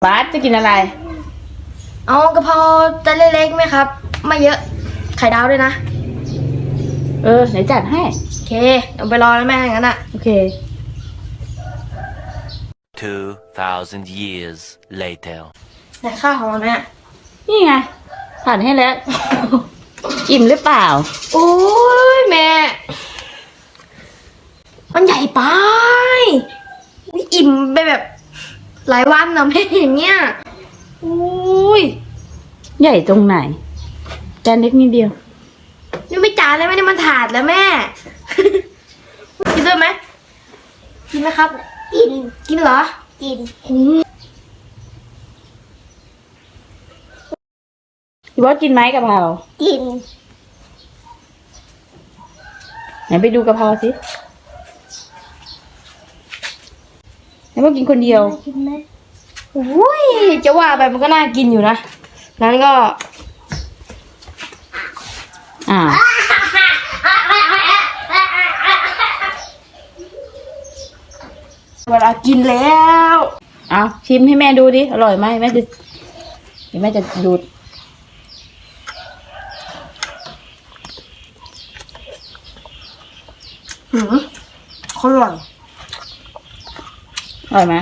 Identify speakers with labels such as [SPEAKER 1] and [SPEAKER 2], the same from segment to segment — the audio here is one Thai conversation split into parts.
[SPEAKER 1] บาสจะกินอะไร
[SPEAKER 2] เอากะเพราจานเล็กๆไหมครับไม่เยอะไข่ดาวด้วยนะ
[SPEAKER 1] ไหนจัดให้
[SPEAKER 2] โอเคเดี๋ยวไปรอแล้วแม่งั้นอ่ะ
[SPEAKER 1] โอเค
[SPEAKER 3] 2,000 years later
[SPEAKER 2] ไหนข้าวของเราเนี่ย
[SPEAKER 1] นี่ไงผ่านให้แล้ว อิ่มหรือเปล่า
[SPEAKER 2] โอ้ยแม่มันใหญ่ไปอิ่มไปแบบหลายวันนะแม่อย่างเงี้ย
[SPEAKER 1] อุ้ยใหญ่ตรงไหนจานเล็กนิดเดียว
[SPEAKER 2] นี่ไม่จานเลยไม่ได้มันถาดแล้วแม่ กินด้วยไหมกินไหมครับกินเหรอกิน
[SPEAKER 1] พี่บอสกินไหมกะเพรา
[SPEAKER 2] กิน
[SPEAKER 1] ไหนไปดูกะเพราสิไหนบอกกินคนเดียว
[SPEAKER 2] กินไหมโอ้ยจะว่าไปมันก็น่ากินอยู่นะนั้นก็เวลากินแล้ว
[SPEAKER 1] ชิมให้แม่ดูดิอร่อยไหมแม่จะดูด
[SPEAKER 2] อร่อย
[SPEAKER 1] อร่อยไหม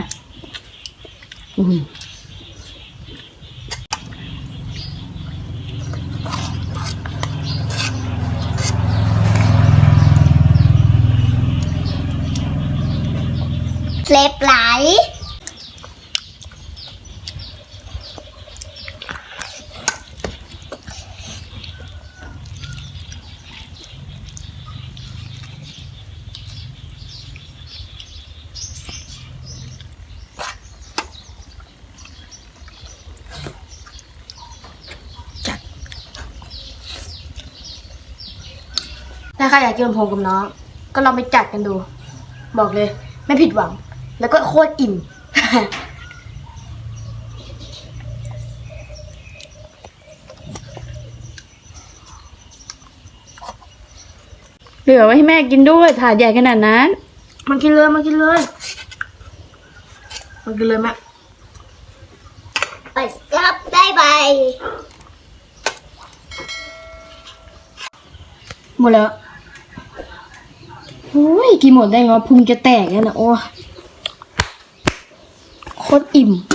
[SPEAKER 2] เล็บไหลถ้าใครอยากกินผมกับน้องก็ลองไปจัดกันดู บอกเลยไม่ผิดหวังแล้วก็โคตรอิ่ม
[SPEAKER 1] เหลือไว้ให้แม่กินด้วยถาดใหญ่ขนาดนั้น
[SPEAKER 2] มันกินเลยแม่ไปรับได้ไปหมดแล้วโอ้ยกินหมดได้ไงพุงจะแตกแล้วนะโอ้โคตรอิ่ม